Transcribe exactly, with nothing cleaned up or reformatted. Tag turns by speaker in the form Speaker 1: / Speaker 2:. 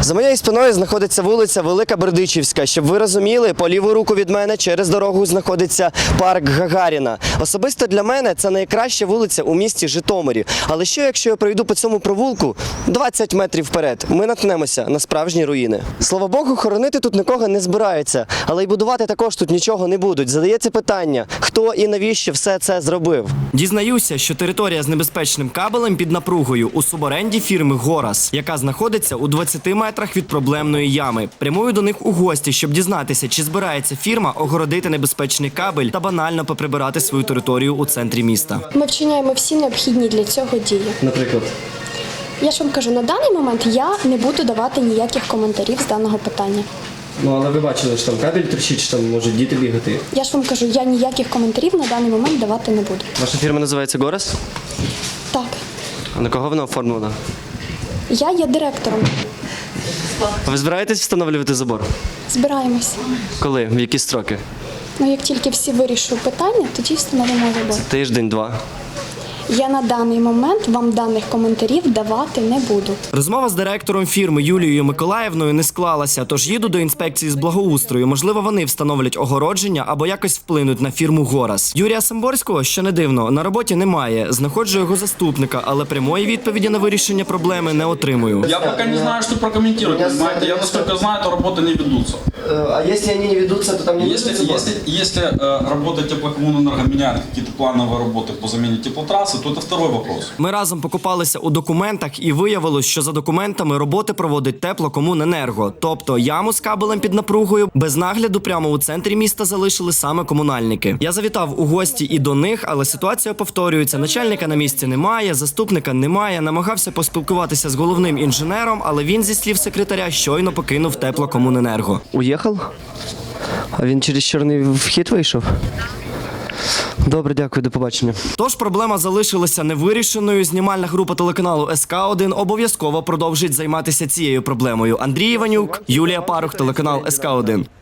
Speaker 1: За моєю спиною знаходиться вулиця Велика Бердичівська. Щоб ви розуміли, по ліву руку від мене через дорогу знаходиться парк Гагаріна. Особисто для мене це найкраща вулиця у місті Житомирі. Але що, якщо я пройду по цьому провулку двадцять метрів вперед? Ми наткнемося на справжні руїни. Слава Богу, хоронити тут нікого не збираються. Але й будувати також тут нічого не будуть. Задається питання, хто і навіщо все це зробив?
Speaker 2: Дізнаюся, що територія з небезпечним кабелем під напругою у суборенді фірми «Горас», яка знаходиться у двадцяти метрах від проблемної ями. Прямую до них у гості, щоб дізнатися, чи збирається фірма огородити небезпечний кабель та банально поприбирати свою територію у центрі міста.
Speaker 3: Ми вчиняємо всі необхідні для цього дії.
Speaker 1: Наприклад?
Speaker 3: Я ж вам кажу, на даний момент я не буду давати ніяких коментарів з даного питання.
Speaker 1: Ну, але ви бачили, що там кабель тріщить, що там можуть діти бігати.
Speaker 3: Я ж вам кажу, я ніяких коментарів на даний момент давати не буду.
Speaker 1: Ваша фірма називається «Горас»?
Speaker 3: Так,
Speaker 1: А на кого вона оформлена?
Speaker 3: я є директором.
Speaker 1: А ви збираєтесь встановлювати забор?
Speaker 3: Збираємось.
Speaker 1: Коли? В які строки?
Speaker 3: Ну, як тільки всі вирішують питання, тоді встановимо забор.
Speaker 1: Тиждень-два.
Speaker 3: Я на даний момент вам даних коментарів давати не буду.
Speaker 2: Розмова з директором фірми Юлією Миколаївною не склалася, тож їду до інспекції з благоустрою. Можливо, вони встановлять огородження або якось вплинуть на фірму «Горас». Юрія Самборського, що не дивно, на роботі немає. Знаходжу його заступника, але прямої відповіді на вирішення проблеми не отримую.
Speaker 4: Я пока не знаю, что прокомментировать, понимаете? Я, насколько знаю, то работы не ведутся.
Speaker 1: А якщо вони не ведуться, то там не
Speaker 4: Если, если, если э, работа теплокоммунэнерго меняет какие-то плановые работы по замене теплотрассы, то это второй вопрос.
Speaker 2: Ми разом покопалися у документах і виявилось, що за документами роботи проводить Теплокомуненерго. Тобто яму з кабелем під напругою без нагляду прямо у центрі міста залишили саме комунальники. Я завітав у гості і до них, але ситуація повторюється. Начальника на місці немає, заступника немає. Намагався поспілкуватися з головним інженером, але він, зі слів секретаря, щойно покинув Теплокомуненерго.
Speaker 1: Уїхав? А він через чорний вхід вийшов? Добре, дякую, до побачення.
Speaker 2: Тож проблема залишилася невирішеною. Знімальна група телеканалу ес ка один обов'язково продовжить займатися цією проблемою. Андрій Іванюк, Юлія Парух, телеканал ес ка один.